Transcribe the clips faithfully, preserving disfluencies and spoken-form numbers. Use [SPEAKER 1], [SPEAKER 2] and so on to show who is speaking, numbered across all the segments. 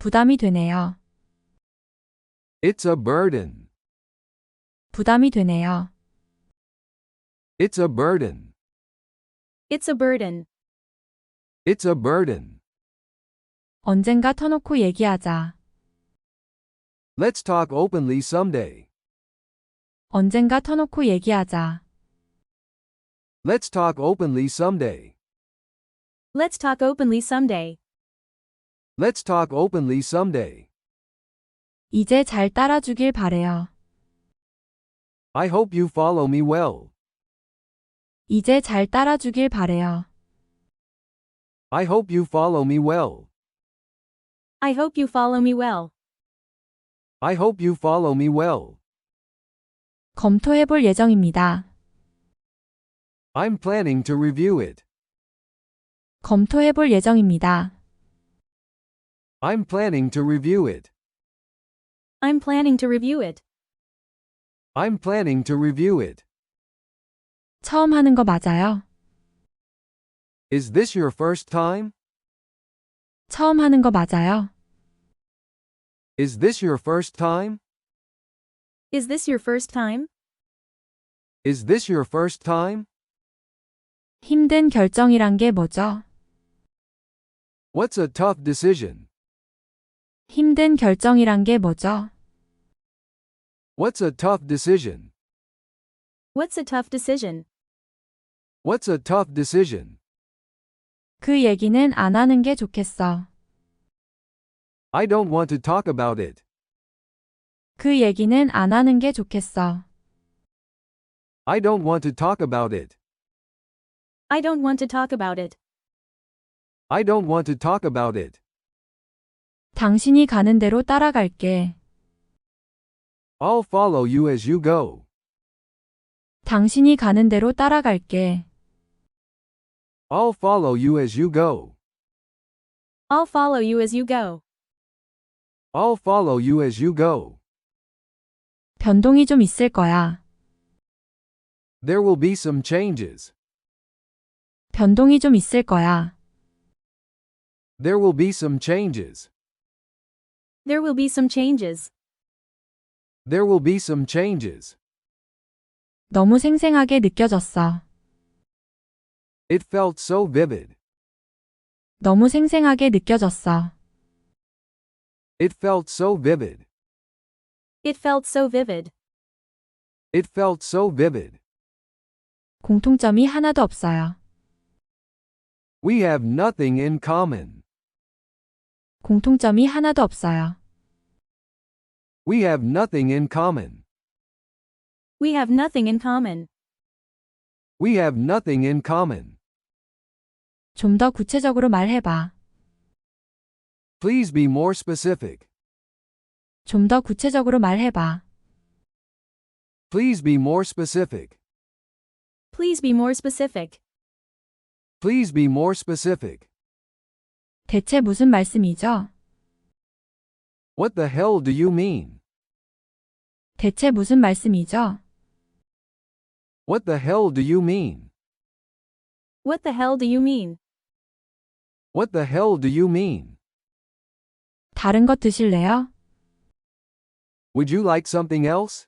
[SPEAKER 1] 부담이 되네요.
[SPEAKER 2] It's a burden.
[SPEAKER 1] 부담이 되네요.
[SPEAKER 2] It's a burden.
[SPEAKER 3] It's a burden.
[SPEAKER 2] It's a burden.
[SPEAKER 1] 언젠가 터놓고 얘기하자.
[SPEAKER 2] Let's talk openly someday.
[SPEAKER 1] 언젠가 터놓고 얘기하자.
[SPEAKER 2] Let's talk openly someday.
[SPEAKER 3] Let's talk openly someday.
[SPEAKER 2] Let's talk openly someday.
[SPEAKER 1] 이제 잘 따라주길 바래요.
[SPEAKER 2] I hope you follow me well.
[SPEAKER 1] 이제 잘 따라주길 바래요.
[SPEAKER 2] I hope you follow me well.
[SPEAKER 3] I hope you follow me well.
[SPEAKER 2] I hope you follow me well.
[SPEAKER 1] 검토해볼 예정입니다.
[SPEAKER 2] I'm planning to review it.
[SPEAKER 1] 검토해볼 예정입니다.
[SPEAKER 2] I'm planning to review it.
[SPEAKER 3] I'm planning to review it.
[SPEAKER 2] I'm planning to review it.
[SPEAKER 1] 처음 하는 거 맞아요?
[SPEAKER 2] Is this your first time?
[SPEAKER 1] 처음 하는 거 맞아요?
[SPEAKER 2] Is this your first time?
[SPEAKER 3] Is this your first time?
[SPEAKER 2] Is this your first time?
[SPEAKER 1] 힘든 결정이란 게 뭐죠?
[SPEAKER 2] What's a tough decision?
[SPEAKER 1] 힘든 결정이란 게 뭐죠?
[SPEAKER 2] What's a tough decision?
[SPEAKER 3] What's a tough decision?
[SPEAKER 2] What's a tough decision?
[SPEAKER 1] 그 얘기는 안 하는 게 좋겠어.
[SPEAKER 2] I don't want to talk about it.
[SPEAKER 1] 그 얘기는 안 하는 게 좋겠어.
[SPEAKER 2] I don't want to talk about it.
[SPEAKER 3] I don't want to talk about it.
[SPEAKER 2] I don't want to talk about it.
[SPEAKER 1] 당신이 가는 대로 따라갈게.
[SPEAKER 2] I'll follow you as you go.
[SPEAKER 1] 당신이 가는 대로 따라갈게.
[SPEAKER 2] I'll follow you as you go.
[SPEAKER 3] I'll follow you as you go.
[SPEAKER 2] I'll follow you as you go.
[SPEAKER 1] 변동이 좀 있을 거야.
[SPEAKER 2] There will be some changes.
[SPEAKER 1] 변동이 좀 있을 거야.
[SPEAKER 2] There will be some changes.
[SPEAKER 3] There will be some changes.
[SPEAKER 2] There will be some changes.
[SPEAKER 1] 너무 생생하게 느껴졌어.
[SPEAKER 2] It felt so vivid.
[SPEAKER 1] 너무 생생하게 느껴졌어.
[SPEAKER 2] It felt so vivid.
[SPEAKER 3] It felt so vivid.
[SPEAKER 2] It felt so vivid.
[SPEAKER 1] 공통점이 하나도 없어요.
[SPEAKER 2] We have nothing in common.
[SPEAKER 1] 공통점이 하나도 없어요.
[SPEAKER 2] We have nothing in common.
[SPEAKER 3] We have nothing in common.
[SPEAKER 2] We have nothing in common.
[SPEAKER 1] 좀 더 구체적으로 말해봐.
[SPEAKER 2] Please be more specific.
[SPEAKER 1] 좀 더 구체적으로 말해봐.
[SPEAKER 2] Please be more specific.
[SPEAKER 3] Please be more specific.
[SPEAKER 2] Please be more specific.
[SPEAKER 1] 대체 무슨 말씀이죠?
[SPEAKER 2] What the hell do you mean?
[SPEAKER 1] 대체 무슨 말씀이죠?
[SPEAKER 2] What the hell do you mean?
[SPEAKER 3] What the hell do you mean?
[SPEAKER 2] What the hell do you mean?
[SPEAKER 1] 다른 것 드실래요?
[SPEAKER 2] Would you like something else?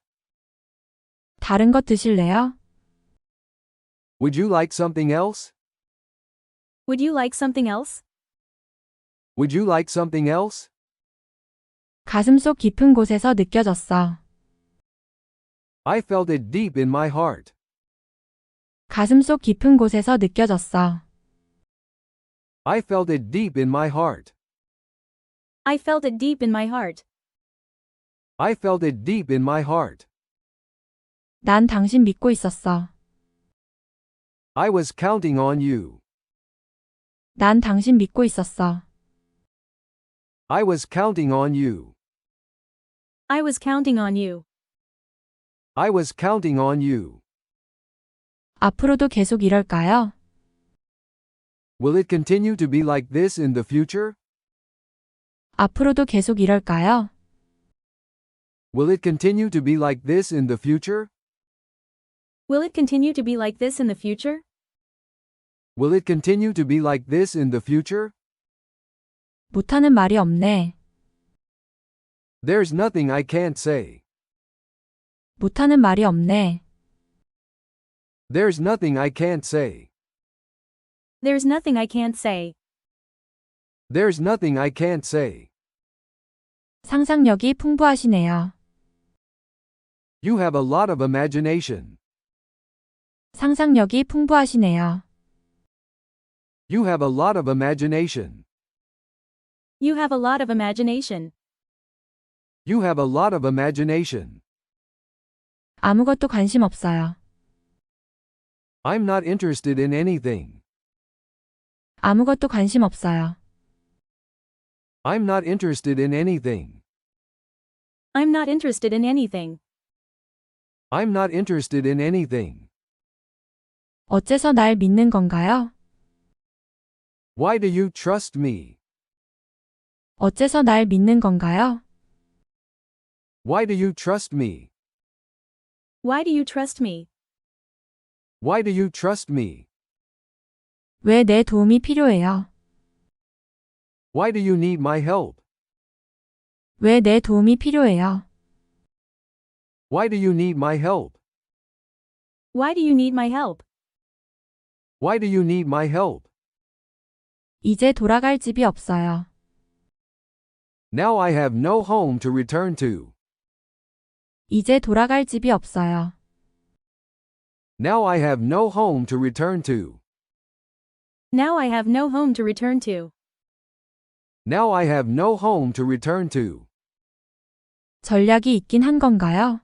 [SPEAKER 1] 다른 것 드실래요?
[SPEAKER 2] Would you like something else?
[SPEAKER 3] Would you like something else?
[SPEAKER 2] Would you like something else?
[SPEAKER 1] 가슴속 깊은 곳에서 느껴졌어.
[SPEAKER 2] I felt it deep in my heart.
[SPEAKER 1] 가슴속 깊은 곳에서 느껴졌어.
[SPEAKER 2] I felt it deep in my heart.
[SPEAKER 3] I felt it deep in my heart.
[SPEAKER 2] I felt it deep in my heart.
[SPEAKER 1] 난 당신 믿고 있었어.
[SPEAKER 2] I was counting on you.
[SPEAKER 1] 난 당신 믿고 있었어.
[SPEAKER 2] I was counting on you.
[SPEAKER 3] I was counting on you.
[SPEAKER 2] I was counting on you.
[SPEAKER 1] 앞으로도 계속 이럴까요?
[SPEAKER 2] Will it continue to be like this in the future?
[SPEAKER 1] 앞으로도 계속 이럴까요?
[SPEAKER 2] Will it continue to be like this in the future?
[SPEAKER 3] Will it continue to be like this in the future?
[SPEAKER 2] Will it continue to be like this in the future?
[SPEAKER 1] 못하는 말이 없네.
[SPEAKER 2] There's nothing I can't say.
[SPEAKER 1] 못하는 말이 없네.
[SPEAKER 2] There's nothing I can't say.
[SPEAKER 3] There's nothing I can't say.
[SPEAKER 2] There's nothing I can't say.
[SPEAKER 1] 상상력이 풍부하시네요.
[SPEAKER 2] You have a lot of imagination.
[SPEAKER 1] 상상력이 풍부하시네요.
[SPEAKER 2] You have a lot of imagination.
[SPEAKER 3] You have a lot of imagination.
[SPEAKER 2] You have a lot of imagination.
[SPEAKER 1] 아무것도 관심 없어요.
[SPEAKER 2] I'm not interested in anything.
[SPEAKER 1] 아무것도 관심 없어요.
[SPEAKER 2] I'm not interested in anything.
[SPEAKER 3] I'm not interested in anything.
[SPEAKER 2] I'm not interested in anything.
[SPEAKER 1] 어째서 날 믿는 건가요?
[SPEAKER 2] Why do you trust me?
[SPEAKER 1] 어째서 날 믿는 건가요?
[SPEAKER 2] Why do you trust me?
[SPEAKER 3] Why do you trust me?
[SPEAKER 2] Why do you trust me?
[SPEAKER 1] 왜 내 도움이 필요해요?
[SPEAKER 2] Why do you need my help?
[SPEAKER 1] 왜 내 도움이 필요해요?
[SPEAKER 2] Why do you need my help?
[SPEAKER 3] Why do you need my help?
[SPEAKER 2] Why do you need my help?
[SPEAKER 1] 이제 돌아갈 집이 없어요.
[SPEAKER 2] Now I have no home to return to.
[SPEAKER 1] 이제 돌아갈 집이 없어요.
[SPEAKER 2] Now I have no home to return to.
[SPEAKER 3] Now I have no home to return to.
[SPEAKER 2] Now I have no home to return to.
[SPEAKER 1] 전략이 있긴 한 건가요?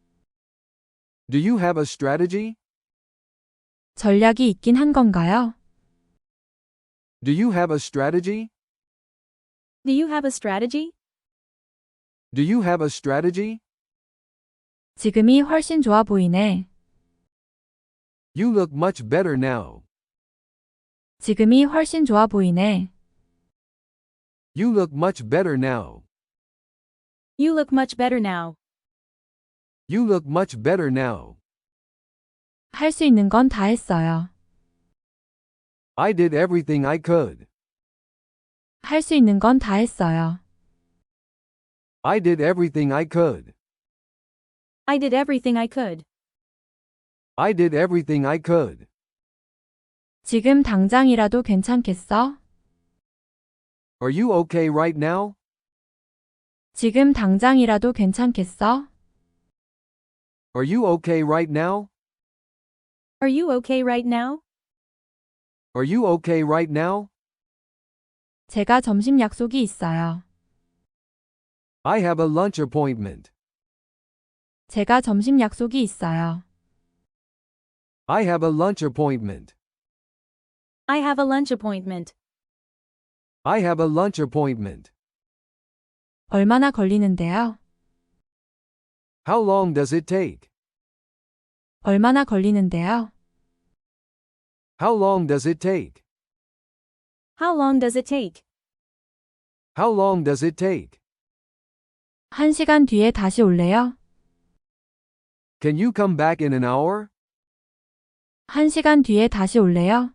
[SPEAKER 2] Do you have a strategy?
[SPEAKER 1] 전략이 있긴 한 건가요?
[SPEAKER 2] Do you have a strategy?
[SPEAKER 3] Do you have a strategy?
[SPEAKER 2] Do you have a strategy?
[SPEAKER 1] 지금이 훨씬 좋아 보이네.
[SPEAKER 2] You look much better now.
[SPEAKER 1] 지금이 훨씬 좋아 보이네.
[SPEAKER 2] You look much better now.
[SPEAKER 3] You look much better now.
[SPEAKER 2] You look much better now.
[SPEAKER 1] 할 수 있는 건 다 했어요.
[SPEAKER 2] I did everything I could.
[SPEAKER 1] 할 수 있는 건 다 했어요.
[SPEAKER 2] I did everything I could.
[SPEAKER 3] I did everything I could.
[SPEAKER 2] I did everything I could.
[SPEAKER 1] 지금 당장이라도 괜찮겠어?
[SPEAKER 2] Are you okay right now?
[SPEAKER 1] 지금 당장이라도 괜찮겠어?
[SPEAKER 2] Are you okay right now?
[SPEAKER 3] Are you okay right now?
[SPEAKER 2] Are you okay right now?
[SPEAKER 1] 제가 점심 약속이 있어요.
[SPEAKER 2] I have a lunch appointment.
[SPEAKER 1] 제가 점심 약속이 있어요.
[SPEAKER 2] I have a lunch appointment.
[SPEAKER 3] I have a lunch appointment.
[SPEAKER 2] I have a lunch appointment.
[SPEAKER 1] 얼마나 걸리는데요?
[SPEAKER 2] How long does it take?
[SPEAKER 1] 얼마나 걸리는데요?
[SPEAKER 2] How long does it take?
[SPEAKER 3] How long does it take?
[SPEAKER 2] How long does it take?
[SPEAKER 1] 한 시간 뒤에 다시 올래요?
[SPEAKER 2] Can you come back in an hour?
[SPEAKER 1] 한 시간 뒤에 다시 올래요?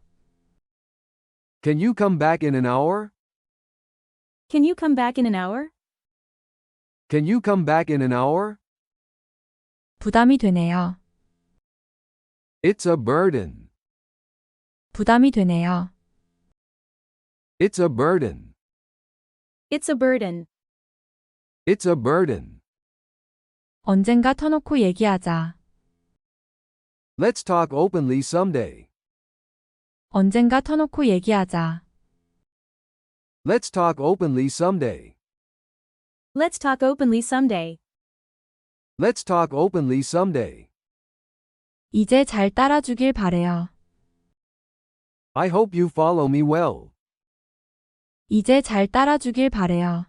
[SPEAKER 2] Can you come back in an hour?
[SPEAKER 3] Can you come back in an hour?
[SPEAKER 2] Can you come back in an hour?
[SPEAKER 1] 부담이 되네요.
[SPEAKER 2] It's a burden.
[SPEAKER 1] 부담이 되네요.
[SPEAKER 2] It's a burden.
[SPEAKER 3] It's a burden.
[SPEAKER 2] It's a burden.
[SPEAKER 1] 언젠가 터놓고 얘기하자.
[SPEAKER 2] Let's talk openly someday.
[SPEAKER 1] 언젠가 터놓고 얘기하자.
[SPEAKER 2] Let's talk openly someday.
[SPEAKER 3] Let's talk openly someday.
[SPEAKER 2] Let's talk openly someday.
[SPEAKER 1] 이제 잘 따라주길 바래요.
[SPEAKER 2] I hope you follow me well.
[SPEAKER 1] 이제 잘 따라주길 바래요.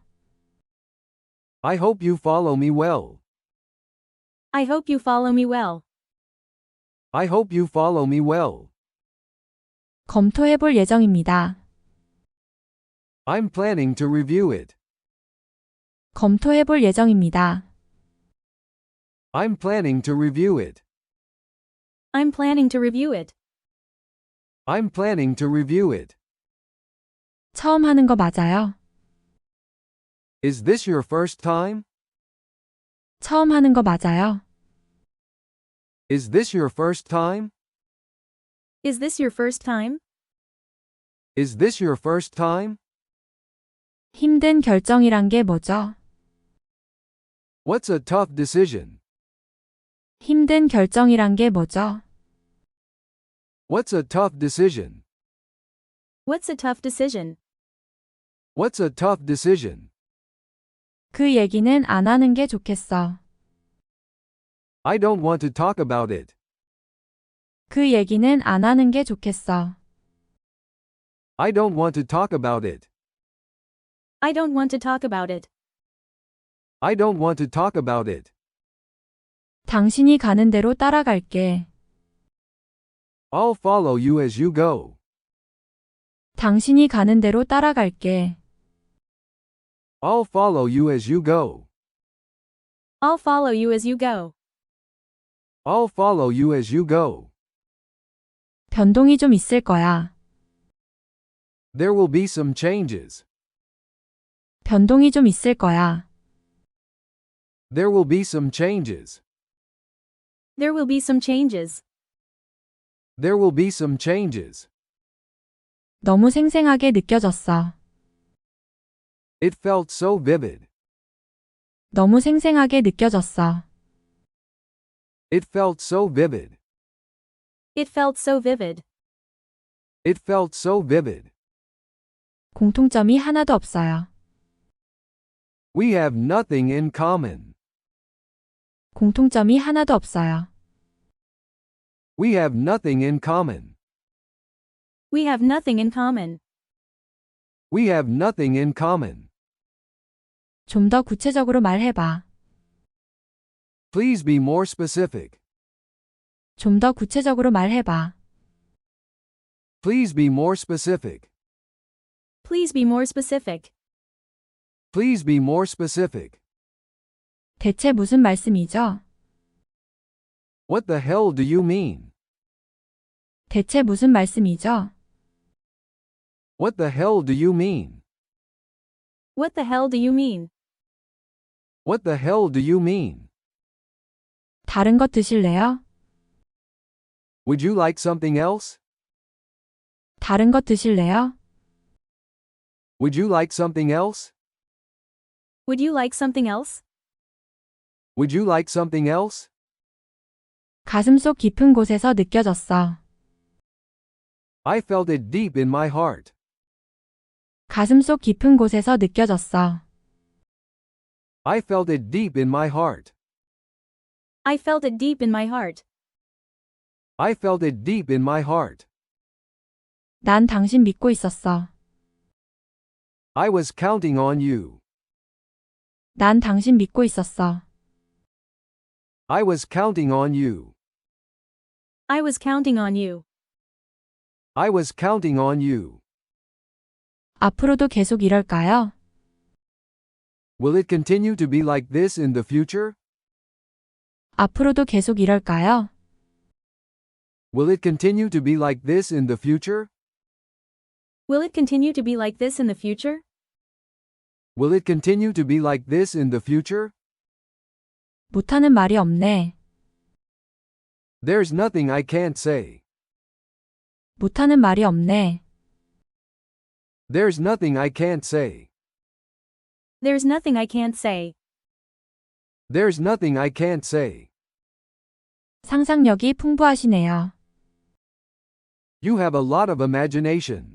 [SPEAKER 2] I hope you follow me well.
[SPEAKER 3] I hope you follow me well.
[SPEAKER 2] I hope you follow me well.
[SPEAKER 1] 검토해볼 예정입니다.
[SPEAKER 2] I'm planning to review it.
[SPEAKER 1] 검토해볼 예정입니다.
[SPEAKER 2] I'm planning to review it.
[SPEAKER 3] I'm planning to review it.
[SPEAKER 2] I'm planning to review it.
[SPEAKER 1] 처음 하는 거 맞아요?
[SPEAKER 2] Is this your first time?
[SPEAKER 1] 처음 하는 거 맞아요?
[SPEAKER 2] Is this your first time?
[SPEAKER 3] Is this your first time?
[SPEAKER 2] Is this your first time?
[SPEAKER 1] 힘든 결정이란 게 뭐죠?
[SPEAKER 2] What's a tough decision?
[SPEAKER 1] 힘든 결정이란 게 뭐죠?
[SPEAKER 2] What's a tough decision?
[SPEAKER 3] What's a tough decision?
[SPEAKER 2] What's a tough decision?
[SPEAKER 1] 그 얘기는 안 하는 게 좋겠어.
[SPEAKER 2] I don't want to talk about it.
[SPEAKER 1] 그 얘기는 안 하는 게 좋겠어.
[SPEAKER 2] I don't want to talk about it.
[SPEAKER 3] I don't want to talk about it.
[SPEAKER 2] I don't want to talk about it.
[SPEAKER 1] 당신이 가는 대로 따라갈게.
[SPEAKER 2] I'll follow you as you go.
[SPEAKER 1] 당신이 가는 대로 따라갈게.
[SPEAKER 2] I'll follow you as you go.
[SPEAKER 3] I'll follow you as you go.
[SPEAKER 2] I'll follow you as you go.
[SPEAKER 1] 변동이 좀 있을 거야.
[SPEAKER 2] There will be some changes.
[SPEAKER 1] 변동이 좀 있을 거야.
[SPEAKER 2] There will be some changes.
[SPEAKER 3] There will be some changes.
[SPEAKER 2] There will be some changes.
[SPEAKER 1] 너무 생생하게 느껴졌어.
[SPEAKER 2] It felt so vivid.
[SPEAKER 1] 너무 생생하게 느껴졌어.
[SPEAKER 2] It felt so vivid.
[SPEAKER 3] It felt so vivid.
[SPEAKER 2] It felt so vivid.
[SPEAKER 1] 공통점이 하나도 없어요.
[SPEAKER 2] We have nothing in common.
[SPEAKER 1] 공통점이 하나도 없어요.
[SPEAKER 2] We have nothing in common.
[SPEAKER 3] We have nothing in common.
[SPEAKER 2] We have nothing in common.
[SPEAKER 1] 좀 더 구체적으로 말해봐.
[SPEAKER 2] Please be more specific.
[SPEAKER 1] 좀 더 구체적으로 말해봐.
[SPEAKER 2] Please be more specific.
[SPEAKER 3] Please be more specific.
[SPEAKER 2] Please be more specific.
[SPEAKER 1] 대체 무슨 말씀이죠?
[SPEAKER 2] What the hell do you mean?
[SPEAKER 1] 대체 무슨 말씀이죠?
[SPEAKER 2] What the hell do you mean?
[SPEAKER 3] What the hell do you mean?
[SPEAKER 2] What the hell do you mean?
[SPEAKER 1] 다른 것 드실래요?
[SPEAKER 2] Would you like something else?
[SPEAKER 1] 다른 것 드실래요?
[SPEAKER 2] Would you like something else?
[SPEAKER 3] Would you like something else?
[SPEAKER 2] Would you like something else?
[SPEAKER 1] 가슴속 깊은 곳에서 느껴졌어.
[SPEAKER 2] I felt it deep in my heart.
[SPEAKER 1] 가슴속 깊은 곳에서 느껴졌어.
[SPEAKER 2] I felt it deep in my heart.
[SPEAKER 3] I felt it deep in my heart.
[SPEAKER 2] I felt it deep in my heart.
[SPEAKER 1] 난 당신 믿고 있었어.
[SPEAKER 2] I was counting on you.
[SPEAKER 1] 난 당신 믿고 있었어.
[SPEAKER 2] I was counting on you.
[SPEAKER 3] I was counting on you.
[SPEAKER 2] I was counting on you.
[SPEAKER 1] 앞으로도 계속 이럴까요?
[SPEAKER 2] Will it continue to be like this in the future?
[SPEAKER 1] 앞으로도 계속 이럴까요?
[SPEAKER 2] Will it continue to be like this in the future?
[SPEAKER 3] Will it continue to be like this in the future?
[SPEAKER 2] Will it continue to be like this in the future?
[SPEAKER 1] 못하는 말이 없네.
[SPEAKER 2] There's nothing I can't say.
[SPEAKER 1] 못하는 말이 없네.
[SPEAKER 2] There's nothing I can't say.
[SPEAKER 3] There's nothing I can't say.
[SPEAKER 2] There's nothing I can't say.
[SPEAKER 1] 상상력이 풍부하시네요.
[SPEAKER 2] You have a lot of imagination.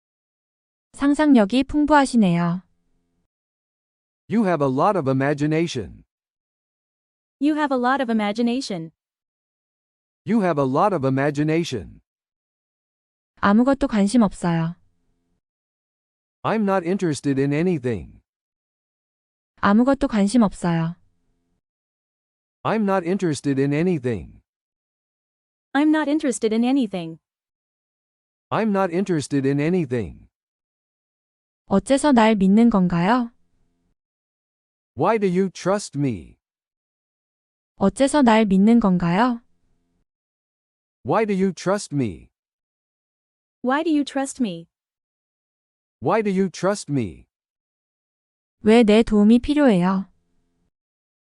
[SPEAKER 1] 상상력이 풍부하시네요.
[SPEAKER 2] You have a lot of imagination.
[SPEAKER 3] You have a lot of imagination.
[SPEAKER 2] You have a lot of imagination.
[SPEAKER 1] 아무것도 관심 없어요.
[SPEAKER 2] I'm not interested in anything.
[SPEAKER 1] 아무것도 관심 없어요.
[SPEAKER 2] I'm not interested in anything.
[SPEAKER 3] I'm not interested in anything.
[SPEAKER 2] I'm not interested in anything.
[SPEAKER 1] 어째서 날 믿는 건가요?
[SPEAKER 2] Why do you trust me?
[SPEAKER 1] 어째서 날 믿는 건가요?
[SPEAKER 2] Why do you trust me?
[SPEAKER 3] Why do you trust me?
[SPEAKER 2] Why do you trust me?
[SPEAKER 1] 왜 내 도움이 필요해요?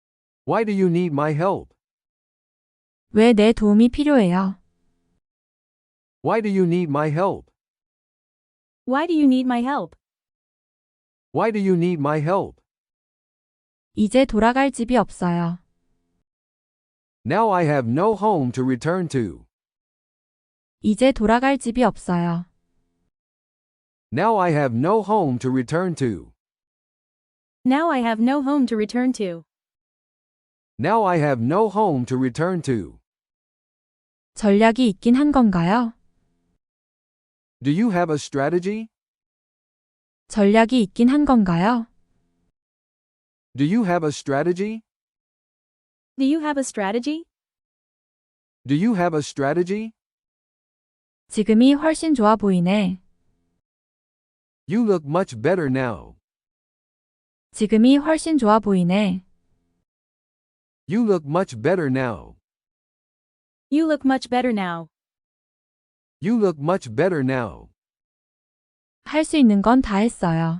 [SPEAKER 2] Why do you need my help?
[SPEAKER 1] 왜 내 도움이 필요해요?
[SPEAKER 2] Why do you need my help?
[SPEAKER 3] Why do you need my help?
[SPEAKER 2] Why do you need my help?
[SPEAKER 1] 이제 돌아갈 집이 없어요.
[SPEAKER 2] Now I have no home to return to.
[SPEAKER 1] 이제 돌아갈 집이 없어요.
[SPEAKER 2] Now I have no home to return to.
[SPEAKER 3] Now I have no home to return to.
[SPEAKER 2] Now I have no home to return to.
[SPEAKER 1] 전략이 있긴 한 건가요?
[SPEAKER 2] Do you have a strategy?
[SPEAKER 1] 전략이 있긴 한 건가요?
[SPEAKER 2] Do you have a strategy?
[SPEAKER 3] Do you have a strategy?
[SPEAKER 2] Do you have a strategy?
[SPEAKER 1] 지금이 훨씬 좋아 보이네.
[SPEAKER 2] You look much better now.
[SPEAKER 1] 지금이 훨씬 좋아 보이네.
[SPEAKER 2] You look much better now.
[SPEAKER 3] You look much better now.
[SPEAKER 2] You look much better now.
[SPEAKER 1] 할 수 있는 건 다 했어요.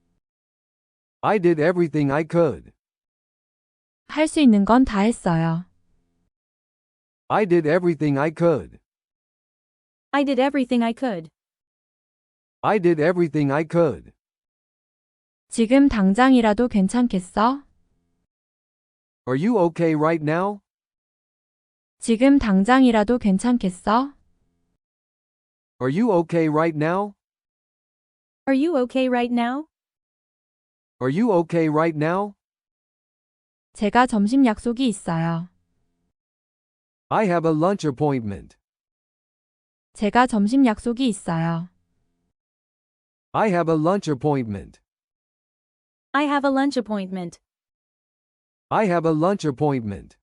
[SPEAKER 2] I did everything I could.
[SPEAKER 1] 할 수 있는 건 다 했어요.
[SPEAKER 2] I did everything I could.
[SPEAKER 3] I did everything I could.
[SPEAKER 2] I did everything I could.
[SPEAKER 1] 지금 당장이라도 괜찮겠어?
[SPEAKER 2] Are you okay right now?
[SPEAKER 1] 지금 당장이라도 괜찮겠어?
[SPEAKER 2] Are you okay right now?
[SPEAKER 3] Are you okay right now?
[SPEAKER 2] Are you okay right now?
[SPEAKER 1] 제가 점심 약속이 있어요.
[SPEAKER 2] I have a lunch appointment.
[SPEAKER 1] 제가 점심 약속이 있어요.
[SPEAKER 2] I have a lunch appointment.
[SPEAKER 3] I have a lunch appointment.
[SPEAKER 2] I have a lunch appointment.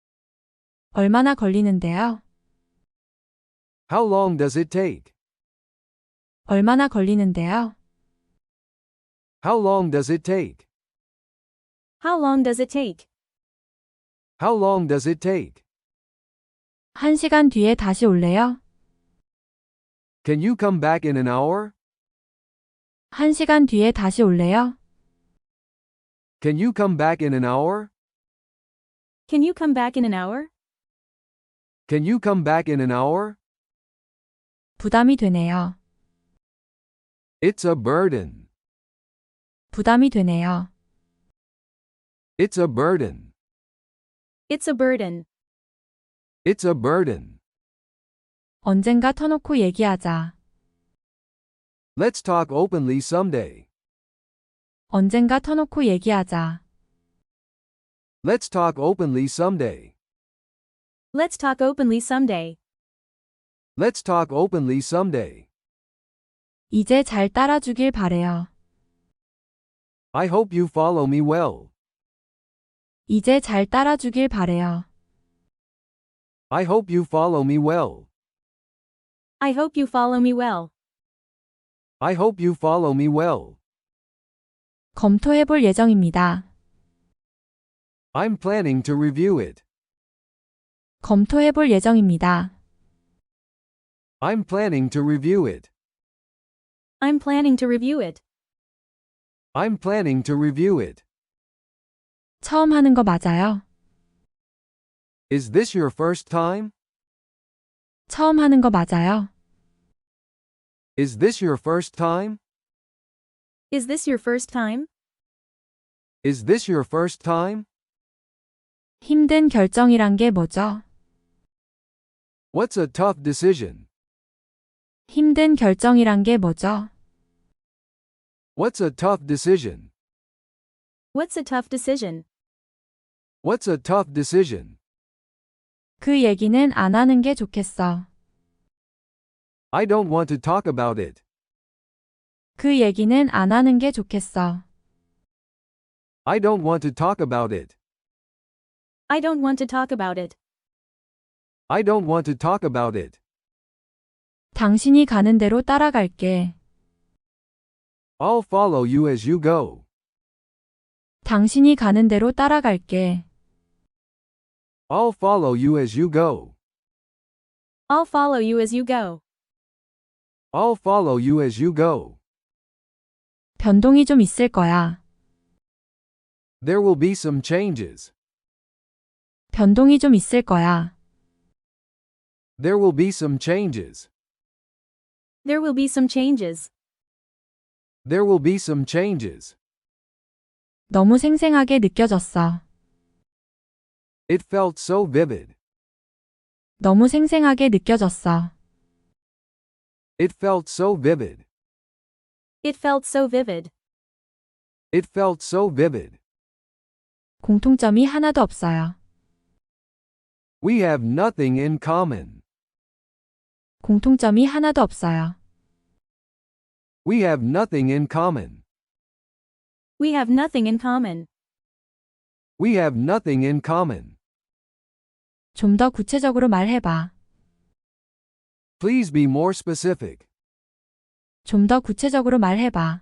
[SPEAKER 1] 얼마나 걸리는데요?
[SPEAKER 2] How long does it take?
[SPEAKER 1] 얼마나 걸리는데요?
[SPEAKER 2] How long does it take?
[SPEAKER 3] How long does it take?
[SPEAKER 2] How long does it take?
[SPEAKER 1] 한 시간 뒤에 다시 올래요?
[SPEAKER 2] Can you come back in an hour?
[SPEAKER 1] 한 시간 뒤에 다시 올래요?
[SPEAKER 2] Can you come back in an hour?
[SPEAKER 3] Can you come back in an hour?
[SPEAKER 2] Can you come back in an hour?
[SPEAKER 1] 부담이 되네요.
[SPEAKER 2] It's a burden.
[SPEAKER 1] 부담이 되네요.
[SPEAKER 2] It's a burden.
[SPEAKER 3] It's a burden.
[SPEAKER 2] It's a burden.
[SPEAKER 1] 언젠가 터놓고 얘기하자.
[SPEAKER 2] Let's talk openly someday.
[SPEAKER 1] 언젠가 터놓고 얘기하자.
[SPEAKER 2] Let's talk openly someday.
[SPEAKER 3] Let's talk openly someday.
[SPEAKER 2] Let's talk openly someday.
[SPEAKER 1] 이제 잘 따라주길 바래요.
[SPEAKER 2] I hope you follow me well.
[SPEAKER 1] 이제 잘 따라주길 바래요.
[SPEAKER 2] I hope you follow me well.
[SPEAKER 3] I hope you follow me well.
[SPEAKER 2] I hope you follow me well.
[SPEAKER 1] 검토해볼 예정입니다.
[SPEAKER 2] I'm planning to review it.
[SPEAKER 1] 검토해볼 예정입니다.
[SPEAKER 2] I'm planning to review it.
[SPEAKER 3] I'm planning to review it.
[SPEAKER 2] I'm planning to review it.
[SPEAKER 1] 처음 하는 거 맞아요?
[SPEAKER 2] Is this your first time?
[SPEAKER 1] 처음 하는 거 맞아요?
[SPEAKER 2] Is this your first time?
[SPEAKER 3] Is this your first time?
[SPEAKER 2] Is this your first time?
[SPEAKER 1] 힘든 결정이란 게 뭐죠?
[SPEAKER 2] What's a tough decision?
[SPEAKER 1] 힘든 결정이란 게 뭐죠?
[SPEAKER 2] What's a tough decision?
[SPEAKER 3] What's a tough decision?
[SPEAKER 2] What's a tough decision?
[SPEAKER 1] 그 얘기는 안 하는 게 좋겠어.
[SPEAKER 2] I don't want to talk about it.
[SPEAKER 1] 그 얘기는 안 하는 게 좋겠어.
[SPEAKER 2] I don't want to talk about it.
[SPEAKER 3] I don't want to talk about it.
[SPEAKER 2] I don't want to talk about it.
[SPEAKER 1] 당신이 가는 대로 따라갈게.
[SPEAKER 2] I'll follow you as you go.
[SPEAKER 1] 당신이 가는 대로 따라갈게.
[SPEAKER 2] I'll follow you as you go.
[SPEAKER 3] I'll follow you as you go.
[SPEAKER 2] I'll follow you as you go.
[SPEAKER 1] 변동이 좀 있을 거야.
[SPEAKER 2] There will be some changes.
[SPEAKER 1] 변동이 좀 있을 거야.
[SPEAKER 2] There will be some changes.
[SPEAKER 3] There will be some changes.
[SPEAKER 2] There will be some changes.
[SPEAKER 1] 너무 생생하게 느껴졌어.
[SPEAKER 2] It felt so vivid.
[SPEAKER 1] 너무 생생하게 느껴졌어.
[SPEAKER 2] It felt so vivid.
[SPEAKER 3] It felt so vivid.
[SPEAKER 2] It felt so vivid.
[SPEAKER 1] 공통점이 하나도 없어요.
[SPEAKER 2] We have nothing in common.
[SPEAKER 1] 공통점이 하나도 없어요.
[SPEAKER 2] We have nothing in common.
[SPEAKER 3] We have nothing in common.
[SPEAKER 2] We have nothing in common.
[SPEAKER 1] 좀 더 구체적으로 말해봐.
[SPEAKER 2] Please be more specific.
[SPEAKER 1] 좀 더 구체적으로 말해봐.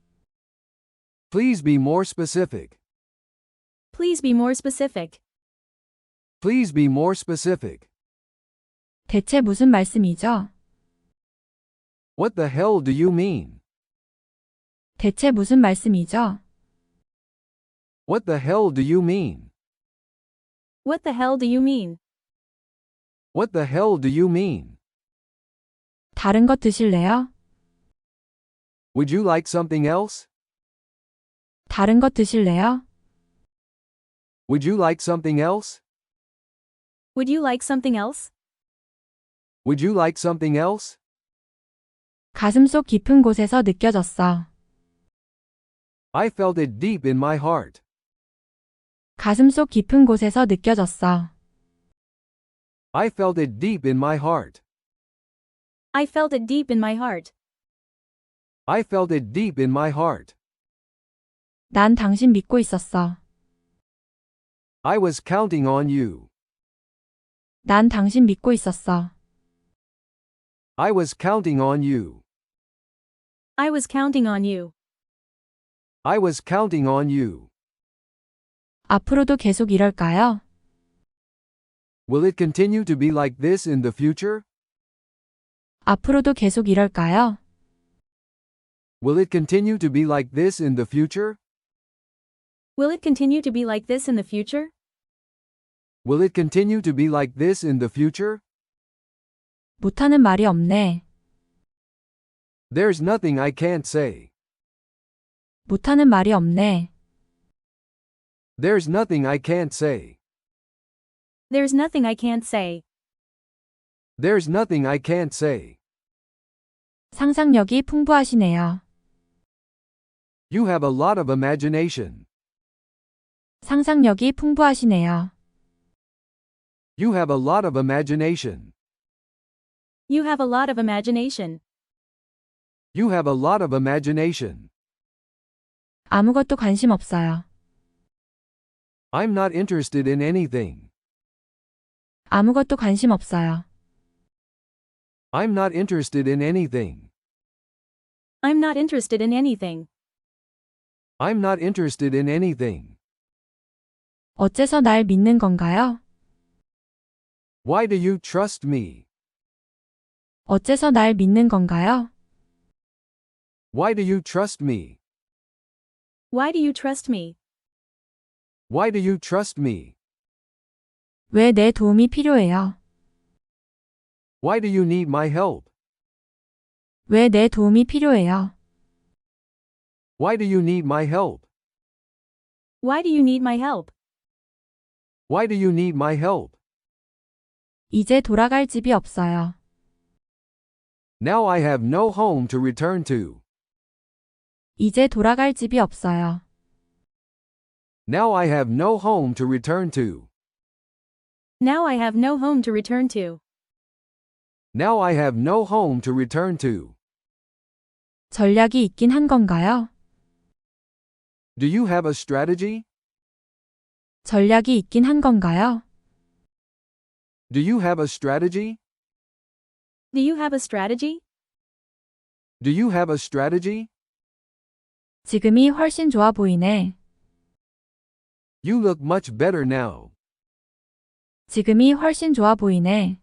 [SPEAKER 2] Please be more specific.
[SPEAKER 3] Please be more specific.
[SPEAKER 2] Please be more specific.
[SPEAKER 1] 대체 무슨 말씀이죠?
[SPEAKER 2] What the hell do you mean?
[SPEAKER 1] 대체 무슨 말씀이죠?
[SPEAKER 2] What the hell do you mean?
[SPEAKER 3] What the hell do you mean?
[SPEAKER 2] What the hell do you mean?
[SPEAKER 1] 다른 것 드실래요?
[SPEAKER 2] Would you like something else?
[SPEAKER 1] 다른 것 드실래요?
[SPEAKER 2] Would you like something else?
[SPEAKER 3] Would you like something else?
[SPEAKER 2] Would you like something else?
[SPEAKER 1] 가슴속 깊은 곳에서 느껴졌어.
[SPEAKER 2] I felt it deep in my heart.
[SPEAKER 1] 가슴속 깊은 곳에서 느껴졌어.
[SPEAKER 2] I felt it deep in my heart.
[SPEAKER 3] I felt it deep in my heart.
[SPEAKER 2] I felt it deep in my heart.
[SPEAKER 1] 난 당신 믿고 있었어.
[SPEAKER 2] I was counting on you.
[SPEAKER 1] 난 당신 믿고 있었어.
[SPEAKER 2] I was counting on you.
[SPEAKER 3] I was counting on you.
[SPEAKER 2] I was counting on you.
[SPEAKER 1] 앞으로도 계속 이럴까요?
[SPEAKER 2] Will it continue to be like this in the future?
[SPEAKER 1] 앞으로도 계속 이럴까요?
[SPEAKER 2] Will it continue to be like this in the future?
[SPEAKER 3] Will it continue to be like this in the future?
[SPEAKER 2] Will it continue to be like this in the future?
[SPEAKER 1] 못하는 말이 없네.
[SPEAKER 2] There's nothing I can't say.
[SPEAKER 1] 못하는 말이 없네.
[SPEAKER 2] There's nothing I can't say.
[SPEAKER 3] There's nothing I can't say.
[SPEAKER 2] There's nothing I can't say.
[SPEAKER 1] 상상력이 풍부하시네요.
[SPEAKER 2] You have a lot of imagination.
[SPEAKER 1] 상상력이 풍부하시네요.
[SPEAKER 2] You have a lot of imagination.
[SPEAKER 3] You have a lot of imagination.
[SPEAKER 2] You have a lot of imagination.
[SPEAKER 1] 아무것도 관심 없어요.
[SPEAKER 2] I'm not interested in anything.
[SPEAKER 1] 아무것도 관심 없어요.
[SPEAKER 2] I'm not interested in anything.
[SPEAKER 3] I'm not interested in anything.
[SPEAKER 2] I'm not interested in anything.
[SPEAKER 1] 어째서 날 믿는 건가요?
[SPEAKER 2] Why do you trust me?
[SPEAKER 1] 어째서 날 믿는 건가요?
[SPEAKER 2] Why do you trust me?
[SPEAKER 3] Why do you trust me?
[SPEAKER 2] Why do you trust me?
[SPEAKER 1] 왜 내 도움이 필요해요?
[SPEAKER 2] Why do you need my help?
[SPEAKER 1] 왜 내 도움이 필요해요?
[SPEAKER 2] Why do you need my help?
[SPEAKER 3] Why do you need my help?
[SPEAKER 2] Why do you need my help?
[SPEAKER 1] 이제 돌아갈 집이 없어요.
[SPEAKER 2] Now I have no home to return to.
[SPEAKER 1] 이제 돌아갈 집이 없어요.
[SPEAKER 2] Now I have no home to return to.
[SPEAKER 3] Now I have no home to return to.
[SPEAKER 2] Now I have no home to return to.
[SPEAKER 1] 전략이 있긴 한 건가요?
[SPEAKER 2] Do you have a strategy?
[SPEAKER 1] 전략이 있긴 한 건가요?
[SPEAKER 2] Do you have a strategy?
[SPEAKER 3] Do you have a strategy?
[SPEAKER 2] Do you have a strategy?
[SPEAKER 1] 지금이 훨씬 좋아 보이네.
[SPEAKER 2] You look much better now.
[SPEAKER 1] 지금이 훨씬 좋아 보이네.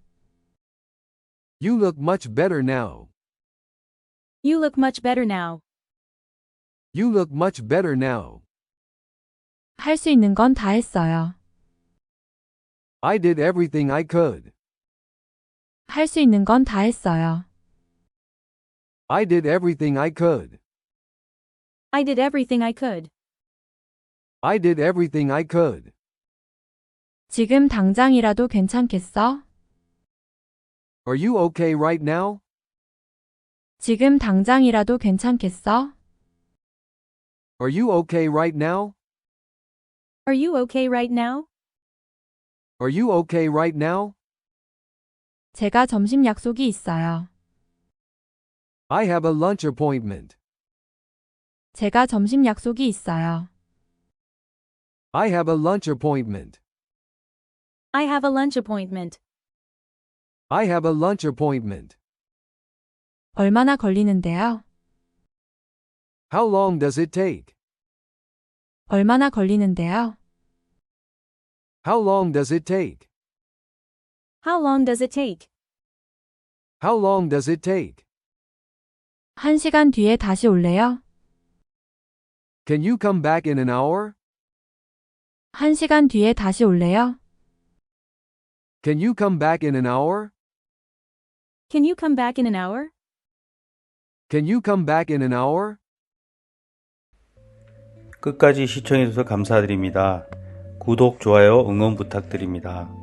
[SPEAKER 2] You look much better now.
[SPEAKER 3] You look much better now.
[SPEAKER 2] You look much better now.
[SPEAKER 1] 할 수 있는 건 다 했어요.
[SPEAKER 2] I did everything I could.
[SPEAKER 1] 할 수 있는 건 다 했어요.
[SPEAKER 2] I did everything I could.
[SPEAKER 3] I did everything I could.
[SPEAKER 2] I did everything I could.
[SPEAKER 1] 지금 당장이라도 괜찮겠어?
[SPEAKER 2] Are you okay right now?
[SPEAKER 1] 지금 당장이라도 괜찮겠어?
[SPEAKER 2] Are you okay right now?
[SPEAKER 3] Are you okay right now?
[SPEAKER 2] Are you okay right now?
[SPEAKER 1] 제가 점심 약속이 있어요.
[SPEAKER 2] I have a lunch appointment.
[SPEAKER 1] 제가 점심 약속이 있어요.
[SPEAKER 2] I have a lunch appointment.
[SPEAKER 3] I have a lunch appointment.
[SPEAKER 2] I have a lunch appointment.
[SPEAKER 1] 얼마나 걸리는데요?
[SPEAKER 2] How long does it take?
[SPEAKER 1] 얼마나 걸리는데요?
[SPEAKER 2] How long does it take?
[SPEAKER 3] How long does it take?
[SPEAKER 2] How long does it take?
[SPEAKER 1] 한 시간 뒤에 다시 올래요?
[SPEAKER 2] Can you come back in an hour?
[SPEAKER 1] 한 시간 뒤에 다시 올래요?
[SPEAKER 2] Can you come back in an hour?
[SPEAKER 3] Can you come back in an hour?
[SPEAKER 2] Can you come back in an hour?
[SPEAKER 4] 끝까지 시청해주셔서 감사드립니다. 구독, 좋아요, 응원 부탁드립니다.